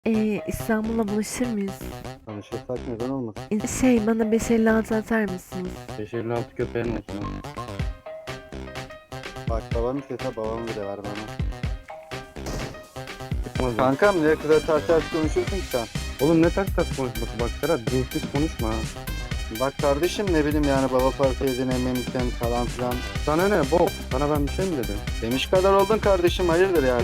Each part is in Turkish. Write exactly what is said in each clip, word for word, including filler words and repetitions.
Ee, İstanbul'la buluşur muyuz? Tanışırsak neden olmasın? E, Şey bana beş elli altı atar mısınız? beş elli altı köpeğin olsun. Bak babam istese babam bile ver bana. Çıkmaz. Kankam ne kadar ters ters konuşuyorsun ki sen? Oğlum ne ters ters konuşması bak Serhat. Dinsiz konuşma ha. Bak kardeşim ne bileyim yani baba parası yedin emmemişten falan filan. Sana ne bok? Sana ben bir şey mi dedim? Demiş kadar oldun kardeşim hayırdır yani.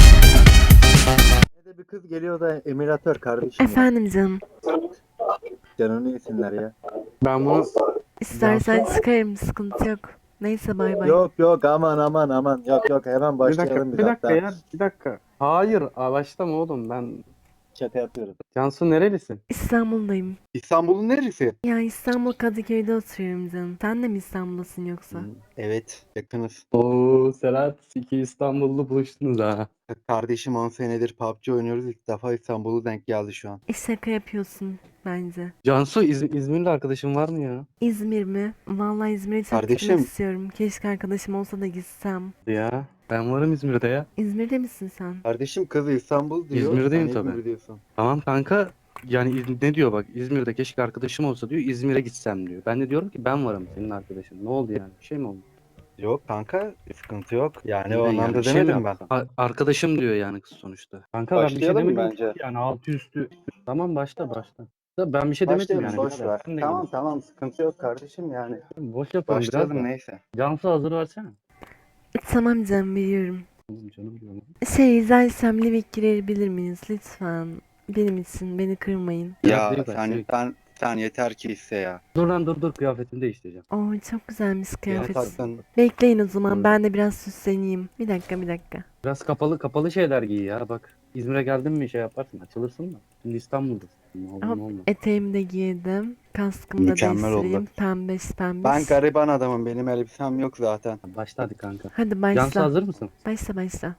Ne de bir kız geliyor da emiratör kardeşim. Efendim canım. Canını yesinler ya. Ben bunu... İstersen çıkarım, sıkıntı yok. Neyse bay bay. Yok yok aman aman aman yok yok hemen Bir başlayalım dakika, biz bir dakika hatta. ya. Bir dakika. Hayır, aa, başlama oğlum. Ben... Şaka yapıyorum. Cansu nerelisin? İstanbul'dayım. İstanbul'un neresi? Ya İstanbul Kadıköy'de oturuyorum canım. Sen de mi İstanbul'dasın yoksa? Hmm, evet yakınız. Oo Serhat, iki İstanbullu buluştunuz ha. Kardeşim on senedir P U B G oynuyoruz ilk defa İstanbul'u denk geldi şu an. E şaka yapıyorsun bence. Cansu, İz İzmirli arkadaşın var mı ya? İzmir mi? Vallahi İzmir'e çok Kardeşim. gitmek istiyorum. Keşke arkadaşım olsa da gitsem. Ya, ben varım İzmir'de ya. İzmir'de misin sen? Kardeşim kız İstanbul diyor. İzmir'deyim sen tabii. İzmir diyorsun. Tamam kanka. Yani İz- ne diyor bak, İzmir'de keşke arkadaşım olsa diyor, İzmir'e gitsem diyor. Ben de diyorum ki ben varım senin arkadaşın. Ne oldu yani? Bir şey mi oldu? Yok kanka sıkıntı yok. Yani Ne o yani, anlamda bir şey mi demedim ben. yapsam? A- arkadaşım diyor yani kız sonuçta. Kanka ben bir şey Başlayalım mı demedim bence? ki yani altı üstü. Tamam başla başla. Da ben bir şey demedim Başlayalım yani. boş birader. ver. Sen ne Tamam diyorsun? tamam sıkıntı yok kardeşim yani. Boş yapalım biraz Başlayalım da. neyse. Cansu hazır versene. Tamam canım, biliyorum. Oğlum canım diyorum. Şey izlersem Livik girebilir miyiz lütfen? Benim için beni kırmayın. Biraz Ya büyük ver, sen, büyük. sen, sen yeter ki iste ya. Dur lan dur dur kıyafetimi değiştireceğim. Oo çok güzelmiş Ne kıyafet. taktın? Bekleyin o zaman, Dur. ben de biraz süsleneyim. Bir dakika bir dakika. Biraz kapalı kapalı şeyler giy ya bak. İzmir'e geldin mi şey yaparsın açılırsın da. Şimdi İstanbul'dasın. Ne olur Hop, ne olmaz. eteğimi de giydim. Kaskımı da Mükemmel değiştireyim. oldu. Pembeş pembeş. Ben gariban adamım benim elbisem yok zaten. Başla hadi kanka. Hadi Cansu başla. hazır mısın? Başla başla.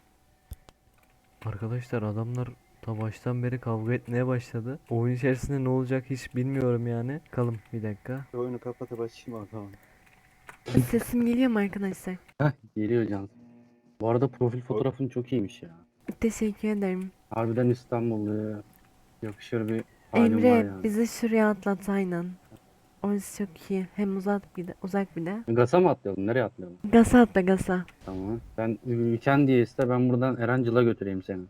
Arkadaşlar adamlar ta baştan beri kavga etmeye başladı. Oyun içerisinde ne olacak hiç bilmiyorum yani. Bakalım bir dakika. Şu oyunu kapatıp açayım o zaman. Sesim geliyor mu arkadaşlar? Heh geliyor Cansu. Bu arada profil fotoğrafın çok iyiymiş ya. Teşekkür ederim. Harbiden İstanbullu. Yakışır bir halin var Emre yani. bizi şuraya atlat aynen. Orası çok iyi. Hem uzak bir de, uzak bir de. Gasa mı atlayalım? Nereye atlayalım? Gasa atla gasa. Tamam. Ben ülken diye iste ben buradan Erancıl'a götüreyim seni.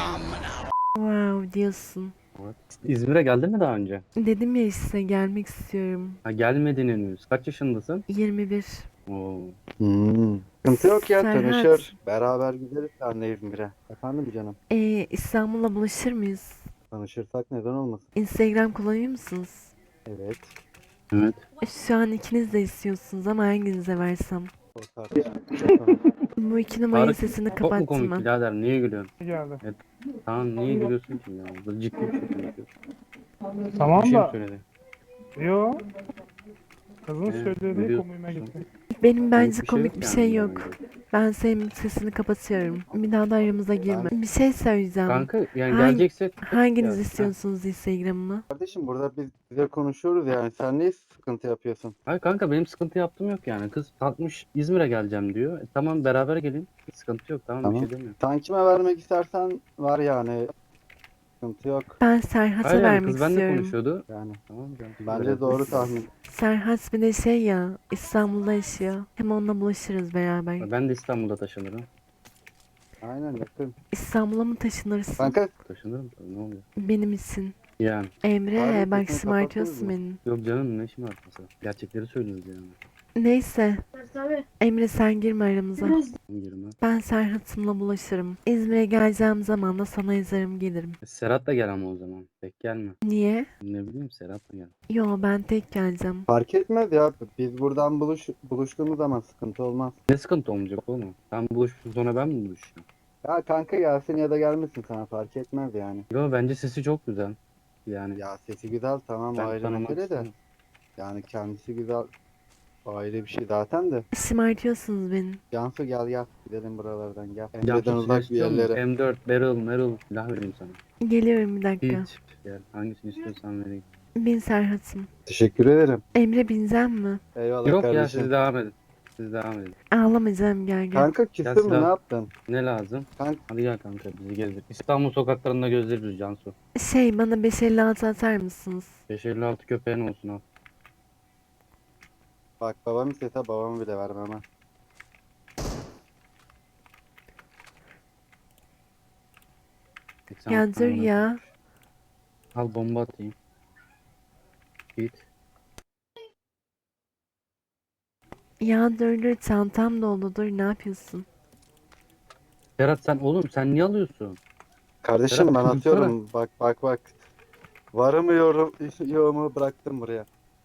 Wow diyorsun. Evet. İzmir'e geldin mi daha önce? Dedim ya işte gelmek istiyorum. Ha gelmedin henüz. Kaç yaşındasın? yirmi bir. Oo. Hmm. Sıkıntı yok ya Serhat. tanışır. Beraber gideriz senle İzmir'e. Efendim canım. Ee, İstanbul'la buluşur muyuz? Tanışırsak neden olmasın? Instagram kullanıyor musunuz? Evet. Evet. E, Şu an ikiniz de istiyorsunuz ama hanginize versem? O tartışma. Bu iki numaranın Tarık, sesini çok mu kapattım komik ben. birader? Niye gülüyorsun? geldi. Evet. Tamam niye gülüyorsun ki ya? Burada ciddi bir şey konuşuyoruz. Bir Tamam şey mi da söyledi? yo. Kızın Ee, söylediği biliyorsun. komiğime gitti. Benim bence bir şey komik yok bir yani şey bundan yok. önce. Ben senin sesini kapatıyorum. Bir daha da aramıza girme. Bir şey söyleyeceğim. Kanka yani Hangi- gelecekse Hanginiz Ya, istiyorsunuz Instagram'ımı? Kardeşim burada biz bize konuşuyoruz yani. Sen niye sıkıntı yapıyorsun? hayır kanka benim sıkıntı yaptığım yok yani. Kız kalkmış İzmir'e geleceğim diyor. E, tamam beraber gelin. Hiç sıkıntı yok tamam, Tamam. bir şey demiyorum. Sen kime vermek istersen var yani. Sıkıntı yok. Ben Serhat'a Hayır yani vermek kız benimle istiyorum. konuşuyordu. Yani Tamam canım. bence doğru tahmin. Serhat bir de şey ya, İstanbul'da yaşıyor. Hem onunla buluşuruz beraber. Ben de İstanbul'da taşınırım. Aynen yakın. İstanbul'a mı taşınırsın? Kanka Taşınırım tabii ne oluyor? Benim için. Yani. Emre Abi, bak sesini şımartıyorsun kapatırız beni. Yok canım ne işim var mesela. Gerçekleri söylüyoruz yani. Neyse. Emre sen girme aramıza. Girme. Ben Serhat'ımla bulaşırım. İzmir'e geleceğim zaman da sana yazarım gelirim. E, Serhat da gel ama o zaman. Tek gelme. Niye? Ne bileyim Serhat da gel. Yo ben tek geleceğim. fark etmez ya. Biz buradan buluş, buluştuğumuz zaman sıkıntı olmaz. Ne sıkıntı olmayacak oğlum? Sen buluştun sonra ben mi buluşacağım? Ya kanka gelsin ya da gelmesin sana fark etmez yani. Yo bence sesi çok güzel. Yani Ya sesi güzel tamam ben ayrı tanımak mesele de. istiyorum. Yani kendisi güzel ayrı bir şey zaten de. Şımartıyorsunuz beni. Cansu gel gel gidelim buralardan gel. Cansu Emre'den silah uzak bir istiyor musun? yerlere. M dört, Beryl, Meryl silah vereyim sana. Geliyorum bir dakika. Hiç. Gel. Hangisini istiyorsan vereyim. Bin Serhat'ım. Teşekkür ederim. Emre bineceğim mi? Eyvallah Yok ya kardeşim. siz devam edin. siz devam edin. Ağlamayacağım, gel gel. Kanka Gel küstün mü, silah- ne yaptın? Ne lazım? Kanka Hadi gel kanka bizi gezdir. İstanbul sokaklarında gözlerimiz Cansu. Şey, bana beş elli altı atar mısınız? beş elli altı köpeğin olsun al. bak, babam istese babamı bile vermem ha. seksen Ya altı dur tane ya. koymuş. Al bomba atayım. Git. Ya dur dur, çantam dolu, dur, ne yapıyorsun? Serhat sen oğlum sen niye alıyorsun? Kardeşim ben Serhat, atıyorum. Bak bak bak. Varımı yorum, yoğumu bıraktım buraya.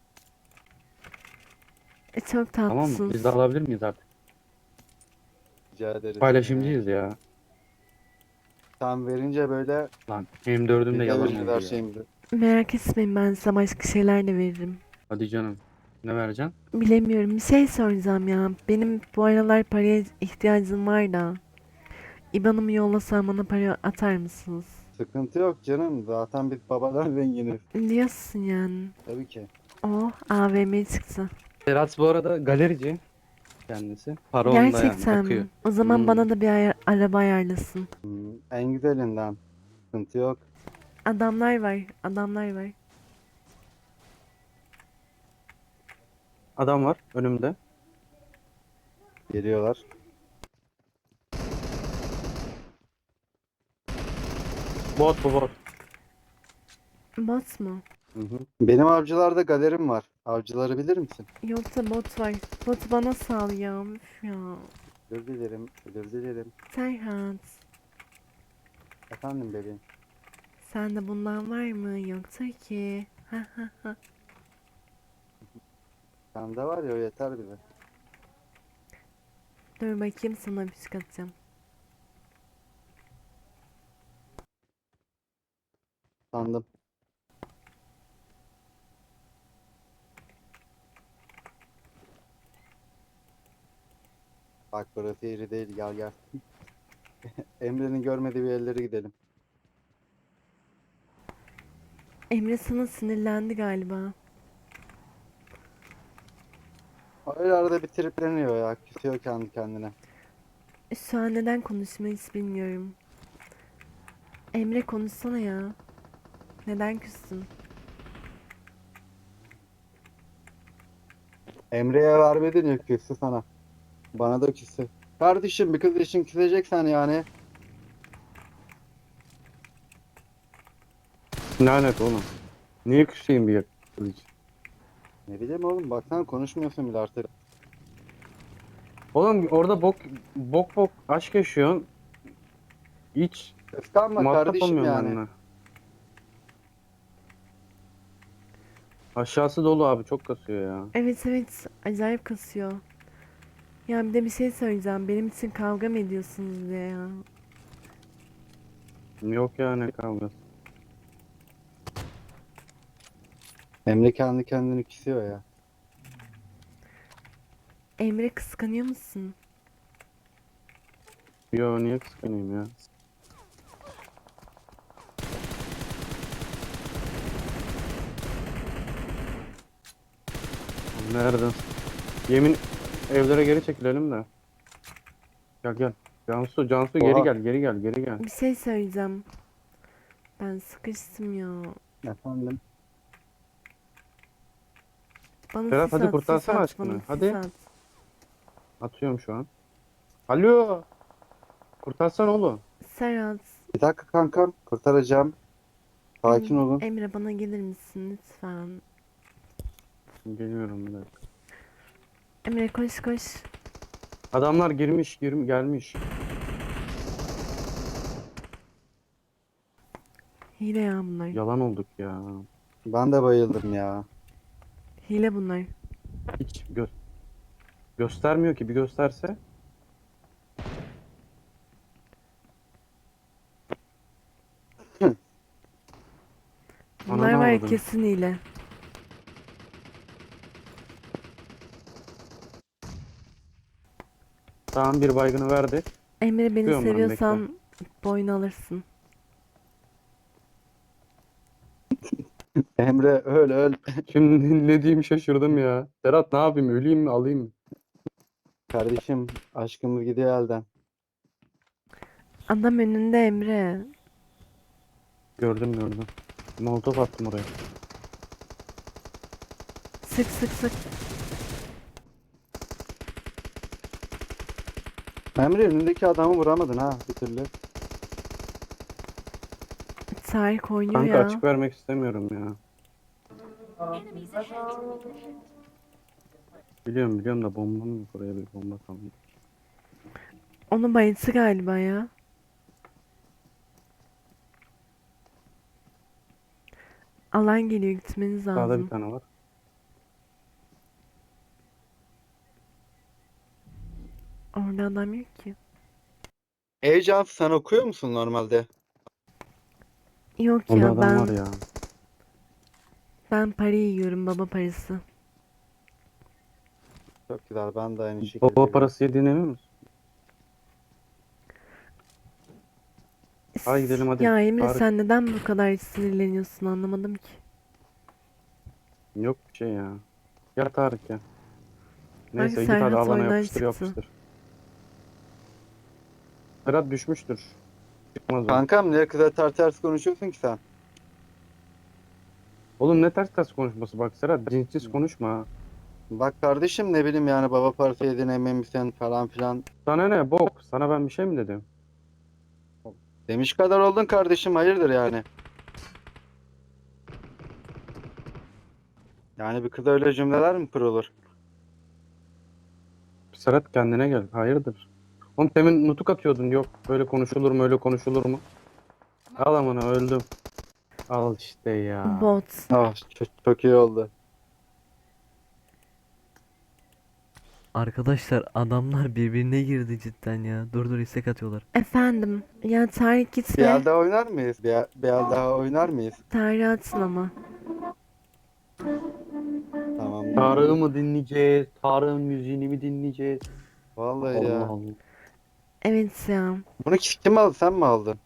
E, çok Tamam mı? tatlısınız. Biz de alabilir miyiz artık? Rica ederiz. Paylaşımcıyız ya. Sen verince böyle Lan M dördüm de bize yalan verir oldu her ya. şeyimizi. Merak etmeyin, ben size başka şeyler de veririm. Hadi canım. Ne vereceksin? Bilemiyorum, bir şey soracağım ya. Benim bu aralar paraya ihtiyacım var da. İban'ımı yollasam bana para atar mısınız? Sıkıntı yok canım. Zaten biz babadan zenginiz. Diyorsun yani. Tabii ki. Oh, A V M çıktı. Serhat bu arada galerici kendisi. Para onda yani Gerçekten bakıyor. mi? O zaman Hmm. bana da bir ayar- araba ayarlasın. Hmm, en güzelinden. Sıkıntı yok. Adamlar var, adamlar var. Adam var önümde. Geliyorlar. Bot bu bot. Bot mu? Hı hı. Benim avcılarda galerim var. Avcıları bilir misin? Yoksa bot var. Bot bana sal ya. Üf ya. Özür dilerim. Özür dilerim. Serhat, Efendim bebeğim. sende bundan var mı? Yoksa ki. Ha ha ha. Sende var ya, o yeter bize. Dur bakayım, sana bir şey atacağım. Sandım. Bak burası yeri değil, gel gel. Emre'nin görmediği bir yerlere gidelim. Emre sana sinirlendi galiba. Öyle arada bir tripleniyor ya. Küsüyor kendi kendine. Şu an neden konuşmayı hiç bilmiyorum. Emre, konuşsana ya. Neden küstün? Emre'ye vermedin ya, küstü sana. Bana da küstü. Kardeşim bir kız için küseceksen yani. Lanet oğlum. Niye küseyim bir kız için? Ne bileyim oğlum, baksana konuşmuyorsun bile artık. Oğlum orada bok bok bok aşk yaşıyorsun. Hiç Kıskanma muhatap kardeşim olmuyorum yani. benimle. Aşağısı dolu abi çok kasıyor ya. Evet evet, acayip kasıyor. Ya bir de bir şey söyleyeceğim. Benim için kavga mı ediyorsunuz diye ya. Yok ya ne kavgası. Emre kendi kendini küsüyor ya. Emre, kıskanıyor musun? Yo niye kıskanayım ya? Nereden? Yemin evlere geri çekilelim de. Gel gel. Cansu Cansu geri Oha. gel geri gel geri gel. Bir şey söyleyeceğim. Ben sıkıştım ya. Efendim. Bana Serhat, sis hadi at, sis kurtarsana at, aşkını, bana sis hadi. at. Atıyorum şu an. Alo. Kurtarsan oğlum. Serhat, Bir dakika kankam, kurtaracağım. Sakin Em- olun. Emre, bana gelir misin lütfen? Geliyorum bir dakika. Emre, koş koş. Adamlar girmiş girm gelmiş. Hile ya bunlar. Yalan olduk ya. Ben de bayıldım ya. Hile bunlar. Hiç gö göstermiyor ki, bir gösterse. Bunlar Ananı var ya, avradım. kesin hile. Tamam bir baygını verdi. Emre, beni Tutuyorum ben, seviyorsan boynu alırsın. Emre öl öl. Şimdi ne diyeyim şaşırdım ya. Serhat ne yapayım, öleyim mi alayım mı? kardeşim aşkımız gidiyor elden. Adam önünde Emre. Gördüm gördüm. Molotof attım oraya. Sık sık sık. Emre önündeki adamı vuramadın ha bir türlü. Tarık oynuyor Kanka ya. açık vermek istemiyorum ya. Biliyorum biliyorum da bombam yok, oraya bir bomba kaldı. Onu bayılttı galiba ya. Alan geliyor, gitmeniz Sağda bir lazım. tane var. Orada adam yok ki. Ey Cansu sen okuyor musun normalde? Yok Orada ya, adam ben var ya. ben parayı yiyorum, baba parası. Çok güzel ben de aynı şekilde. Baba yiyorum. parası yediğin emin misin? Hadi gidelim hadi. Ya Emre, Tarık. sen neden bu kadar sinirleniyorsun, anlamadım ki. Yok bir şey ya. Gel Tarık ya. Neyse Hangi git hadi Serhat alana oyundan yapıştır çıktı? yapıştır. Serhat düşmüştür. Çıkmaz o. Kankam niye kıza ters ters konuşuyorsun ki sen? Oğlum ne ters ters konuşması bak Serhat, cinsiz konuşma ha. Bak kardeşim ne bileyim yani baba parası yedin emin misin falan filan. Sana ne bok? Sana ben bir şey mi dedim? Demiş kadar oldun kardeşim hayırdır yani. Yani bir kıza öyle cümleler mi kurulur? Serhat kendine gel. Hayırdır? Oğlum temin nutuk atıyordun. Yok böyle konuşulur mu öyle konuşulur mu? Al amına öldüm. Al işte ya. Bot. Ah çok, çok iyi oldu. Arkadaşlar adamlar birbirine girdi cidden ya. Dur dur, istek atıyorlar. Efendim. Ya Tarık Bir gitme. el daha oynar mıyız? Bir el, bir el daha oynar mıyız? Tarık atsın ama. Tamam. Tarık'ı mı dinleyeceğiz? Tarık'ın müziğini mi dinleyeceğiz? Vallahi Allah ya. Allah. Evet ya. Bunu kim aldı sen mi aldın?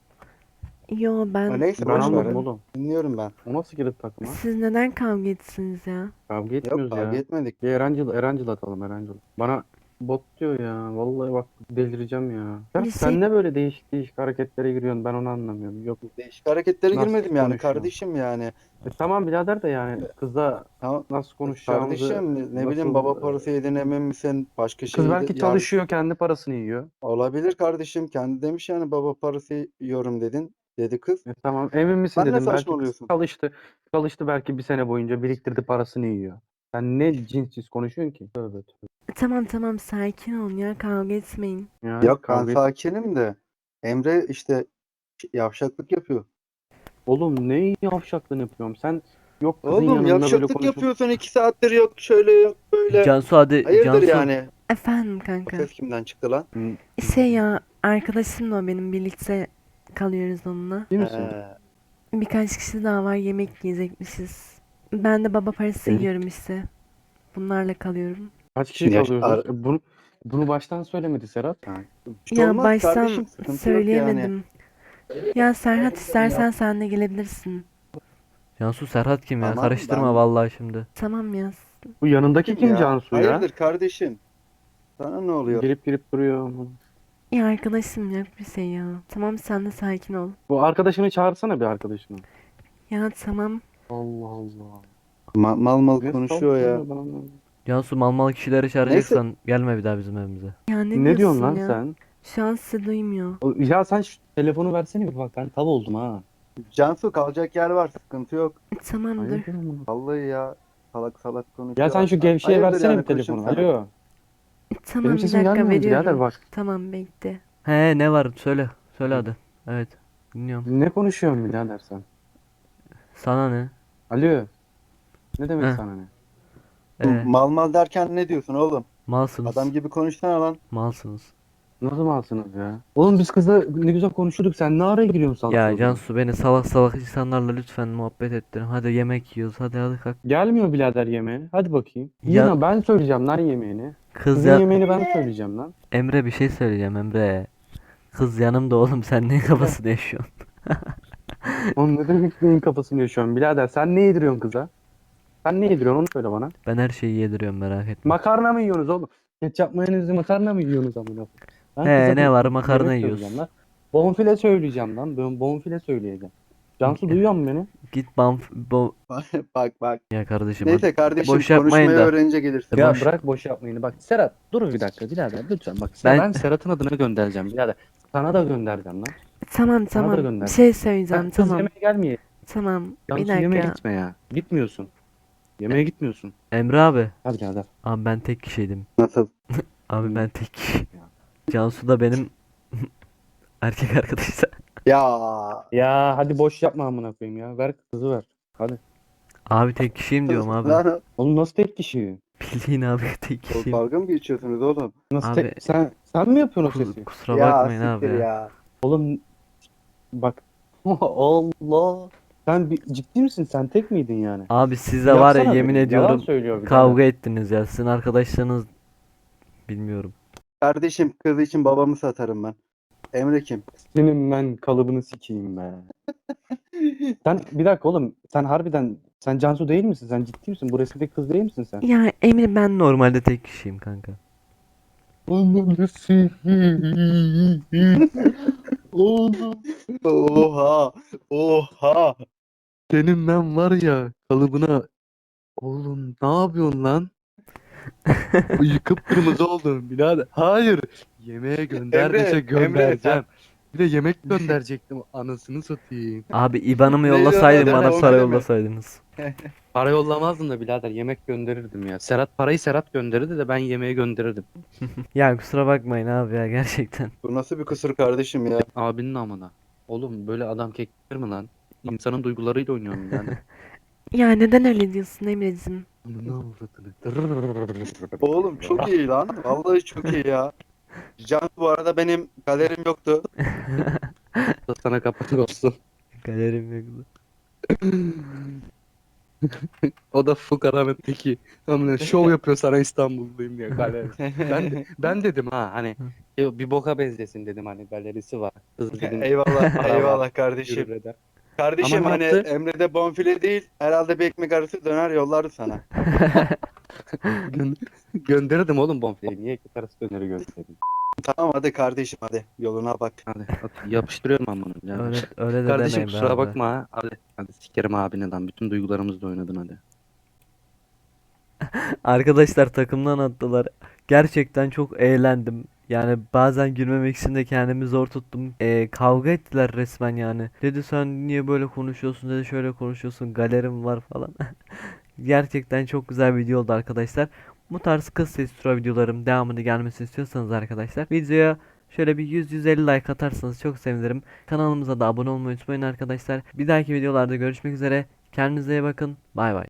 Yo, Ha, ben... neyse Ben boş ver. anladım oğlum. Dinliyorum ben. O nasıl girdi takıma? Siz neden kavga etsiniz ya? Kavga Yok etmiyoruz kavga ya. etmedik. Bir Erancıl, Erancıl atalım Erancıl. Bana bot diyor ya. Vallahi bak delireceğim ya. Ya Bir sen şey- ne böyle değişik değişik hareketlere giriyorsun, ben onu anlamıyorum. Yok. Değişik hareketlere Nasıl girmedim yani konuşuyor? kardeşim yani. E tamam birader de yani kızla Tamam. nasıl konuşacağımızı Kardeşim ne nasıl- bileyim baba parası yedin emin misin? Başka şey Kız belki yani çalışıyor, kendi parasını yiyor. olabilir kardeşim. Kendi demiş yani baba parası yiyorum dedin. Dedi kız. E tamam emin misin Sen ne dedim. Belki kız saçmalıyorsun? çalıştı. Çalıştı belki bir sene boyunca biriktirdi, parasını yiyor. Sen ne cinsiz konuşuyorsun ki? Tövbe tövbe. Tamam tamam, sakin olun ya, kavga etmeyin. Ya, Yok ben kavga et- sakinim de. Emre işte yavşaklık yapıyor. Oğlum ne yavşaklığını yapıyorum? Sen yok kızın Oğlum yanında böyle yavşaklık konuşup yapıyorsun iki saattir yok şöyle yok böyle. Cansu hadi. Hayırdır Cansu. yani? Efendim O kanka. ses kimden çıktı lan? Hı, Şey ya, arkadaşım da o benim, birlikte kalıyoruz onunla. değil misin? He. Birkaç kişi daha var, yemek yiyecekmişiz. Ben de baba parası Evet. yiyorum işte. Bunlarla kalıyorum. Kaç kişi Ya, kalıyorsunuz? E, Bunu, bunu baştan söylemedi Serhat. Ha. Bir şey Ya olmaz baştan kardeşim, sıkıntı yok yani. söyleyemedim. Ya Serhat, istersen sen de gelebilirsin. Cansu Serhat kim ya? Tamam, Karıştırma ben- vallahi şimdi. Tamam ya. Bu yanındaki kim Ya, Cansu ya? Hayırdır kardeşim? Sana ne oluyor? Girip girip duruyor. Ya arkadaşım, yok bir şey ya. Tamam, sen de sakin ol. Bu arkadaşını çağırsana bir arkadaşını. Ya tamam. Allah Allah. Ma- mal mal Ne konuşuyor ya. salak ben anlamadım. Cansu mal mal kişileri çağıracaksan gelme bir daha bizim evimize. Ya ne, Ne diyorsun diyorsun lan ya? sen? Şu an sizi duymuyor. O- Ya sen şu telefonu versene bir bak, ben tav oldum ha. Cansu kalacak yer var sıkıntı yok. Tamam dur. Hayırdır amına? Vallahi ya salak salak konuşuyor. Ya sen şu gevşeye Hayırdır versene yani, bir telefonu. konuşurum sana. Alo. Tamam, Benim bir sesim dakika gelmiyor mu birader veriyorum. bak. Tamam, bekle. He ne var söyle. Söyle hadi. Evet. Dinliyorum. Ne konuşuyorsun birader sen? Sana ne? Alo. Ne demek Heh. sana ne? Ee, Mal mal derken ne diyorsun oğlum? malsınız. Adam gibi konuşsana lan. Malsınız. Nasıl malsınız ya? Oğlum biz kızla ne güzel konuşuyorduk, sen ne araya giriyorsun salak Ya salak? Cansu, beni salak salak insanlarla lütfen muhabbet ettirin. Hadi yemek yiyoruz. Hadi hadi kalk. Gelmiyor birader yemeğe. Hadi bakayım. Ya- Yine ben söyleyeceğim lan yemeğini. Kız Kızın ya yemeğini ben söyleyeceğim lan. Emre, bir şey söyleyeceğim Emre. Kız yanımda oğlum, sen neyin kafasını yaşıyorsun? Oğlum ne demek neyin kafasını yaşıyorsun birader? Sen ne yediriyorsun kıza? Sen ne yediriyorsun onu söyle bana. Ben her şeyi yediriyorum, merak etme. Makarna mı yiyorsunuz oğlum? Ketçap mayonezli makarna mı yiyorsunuz amına koyayım? Ben He, kıza ne bir var, makarna yemek yiyoruz. söyleyeceğim lan. Bonfile söyleyeceğim lan. Ben bonfile söyleyeceğim. Cansu duyuyor musun beni? Git banf bo Bak bak. ya kardeşim hadi. Neyse kardeşim Boş yapmayın konuşmayı da. öğrenince gelirsin. E, Ya boş- bırak boş yapmayın. Bak Serhat dur bir dakika birader lütfen bak. Ben- Ben, ben Serhat'ın adına göndereceğim birader. Sana da göndereceğim lan. Tamam Sana da tamam. gönder. Bir şey Sen söyleyeceğim. kız Tamam. yemeğe gelmeye. Tamam. Bir Cansu yemeğe dakika. gitme ya. Gitmiyorsun. Yemeğe gitmiyorsun. Emre abi. Hadi birader. Abi ben tek kişiydim. Nasıl? Abi ben tek kişi. Cansu da benim erkek arkadaşlar. Ya Ya hadi boş yapma amına koyayım ya. Ver kızı ver. Hadi. Abi tek kişiyim diyorum abi. Lan, Oğlum nasıl tek kişi? Bildiğin abi tek kişiyim. dalga mı geçiyorsunuz oğlum? Nasıl Abi- tek... Sen, sen mi yapıyorsun o Kus- sesi? kusura ya bakmayın abi siktir ya. ya. Oğlum bak. Allah. Sen bir, ciddi misin? Sen tek miydin yani? Abi size var ya Yapsana yemin bir. Yalan ediyorum söylüyor bir de. kavga ettiniz ya. Sizin arkadaşlarınız bilmiyorum. Kardeşim kız için babamı satarım ben. Emre kim? Senin ben kalıbını sikeyim be. Sen bir dakika oğlum. Sen harbiden sen Cansu değil misin? Sen ciddi misin? Bu resimdeki kız değil misin sen? Ya Emre ben Normalde tek kişiyim kanka. Ananı sikeyim. Oğlum. Oha. Oha. Senin ben var ya kalıbına. Oğlum ne yapıyorsun lan? Yıkıp kırmızı oldun birader. Hayır. Yemeğe gönder Emre, dese Emre, göndereceğim. Bir de yemek gönderecektim. Anasını satayım. Abi IBAN'ımı Neydi yollasaydın lan? bana Onu para deme. yollasaydınız. Para yollamazdım da birader yemek gönderirdim ya. Serhat parayı Serhat gönderirdi de ben yemeğe gönderirdim. Ya kusura bakmayın abi ya gerçekten. Bu nasıl bir kusur kardeşim ya? Abinin amına. Oğlum böyle adam kekler mi lan? İnsanın duygularıyla oynuyorum yani. ya neden öyle diyorsun Emre'cim? Ananı avradını. Oğlum çok iyi lan. Vallahi çok iyi ya. Can bu arada benim galerim yoktu. Sana kapak olsun. Galerim yoktu. O da fukaranın teki. Amına şov yapıyor sana İstanbulluyum diye galeri. Ben ben dedim ha hani ya bir boka benzesin dedim hani galerisi var. Kız dedim Eyvallah, Para var. eyvallah kardeşim. yürür eder. Kardeşim Ama ne hani yaptı? Emre'de bonfile değil, herhalde bir ekmek arası döner yollardı sana. Gö- gönderirdim oğlum bonfileyi. Niye ekmek arası döneri gönderdim? Tamam hadi kardeşim hadi yoluna bak. Hadi at- yapıştırıyorum ben bunu. Yani. Öyle, öyle de Kardeşim demeyin be kusura abi. bakma ha. Hadi, hadi sikerim abine lan. Bütün duygularımızla oynadın hadi. Arkadaşlar takımdan attılar. Gerçekten çok eğlendim. Yani bazen gülmemek için de kendimi zor tuttum. Ee, kavga ettiler resmen yani. Dedi sen niye böyle konuşuyorsun, dedi şöyle konuşuyorsun, galerim var falan. Gerçekten çok güzel bir video oldu arkadaşlar. Bu tarz kız sesi tura videolarım devamını gelmesini istiyorsanız arkadaşlar videoya şöyle bir yüz yüz elli like atarsanız çok sevinirim. Kanalımıza da abone olmayı unutmayın arkadaşlar. Bir dahaki videolarda görüşmek üzere. Kendinize iyi bakın. Bay bay.